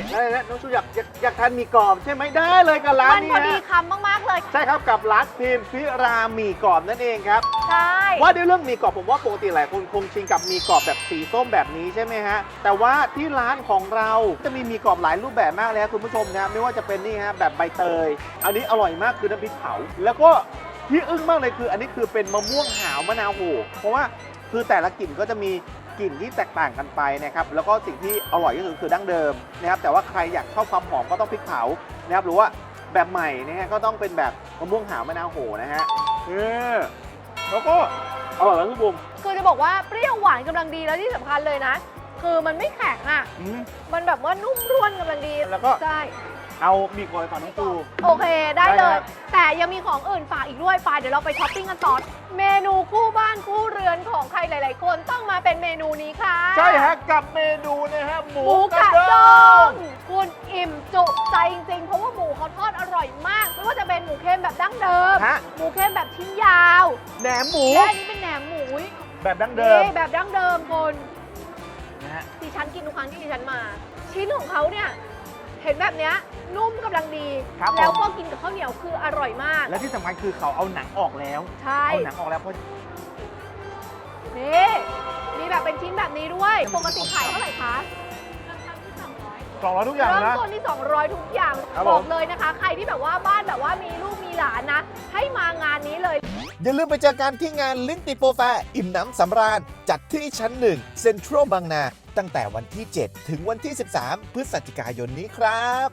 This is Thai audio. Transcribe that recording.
อะไรนะน้องชูอยากทานหมี่กรอบใช่ไหมได้เลยกับร้านมันนี้พอดีฮะคำมากๆเลยใช่ครับกับร้านพิมพิราหมี่กรอบนั่นเองครับใช่ว่าด้วยเรื่องหมี่กรอบผมว่าปกติหลายคนคงชินกับหมี่กรอบแบบสีส้มแบบนี้ใช่ไหมฮะแต่ว่าที่ร้านของเราจะมีหมี่กรอบหลายรูปแบบมากเลยครับคุณผู้ชมนะไม่ว่าจะเป็นนี่ฮะแบบใบเตยอันนี้อร่อยมากคือน้ำพริกเผาแล้วก็ที่อึ้งมากเลยคืออันนี้คือเป็นมะม่วงหาวมะนาวโหเพราะว่าคือแต่ละกลิ่นก็จะมีกลิ่นที่แตกต่างกันไปนะครับแล้วก็สิ่งที่อร่อยที่สุดคือดั้งเดิมนะครับแต่ว่าใครอยากชอบความหอมก็ต้องพริกเผานะครับหรือว่าแบบใหม่นะฮะก็ต้องเป็นแบบมะม่วงหาวมะนาวโหนะฮะแล้วก็อร่อยแล้วทุกบุมคือจะบอกว่าเปรี้ยวหวานกำลังดีแล้วที่สำคัญเลยนะ คือมันไม่แข็งอ่ะ มันแบบว่านุ่มร่วนกำลังดีแล้วก็ใช่เอาหมี่กรอบฝั่งน้องปูโอเคได้เลได้ยครับแต่ยังมีของอื่นฝากอีกด้วยเดี๋ยวเราไปช้อปปิ้งกันต่อเมนูคู่บ้านคู่เรือนของใครหลาย ๆ คนต้องมาเป็นเมนูนี้ค่ะใช่ฮะกับเมนูนะฮะหมูหมูกระด้ด้งงคุณอิ่มจุใจจริงๆ เพราะว่าหมูเขาทอดอร่อยมากไม่ว่าจะเป็นหมูเค็มแบบดั้งเดิมฮะหมูเค็มแบบชิ้นยาวแหนมหมูและอันนี้เป็นแหนมหมูแบบดั้งเดิมนี่แบบดั้งเดิมคนนะฮะดิฉันกินทุกครั้งที่ดิฉันมา ชิ้นของเขาเนี่ยเห็นแบบเนี้ยนุ่มกำลังดีครับแล้วผมก็กินกับข้าวเหนียวคืออร่อยมากและที่สำคัญคือเขาเอาหนังออกแล้วใช่เอาหนังออกแล้วเพราะนี่มีแบบเป็นชิ้นแบบนี้ด้วยปกติขายเท่าไหร่คะกล่องละทุกอย่างเริ่มนะต้นที่ 200 ทุกอย่างครับบอผกมเลยนะคะ ใครที่แบบว่าบ้านแบบว่ามีลูกมีหลานนะ ให้มางานนี้เลยอย่าลืมไปเจอกันที่งานลิ้นติโปรแฟร์อิ่มน้ำสำราญ จัดที่ชั้น 1 เซ็นทรัลบางนา ตั้งแต่วันที่ 7 ถึงวันที่ 13 พฤศจิกายนนี้ครับ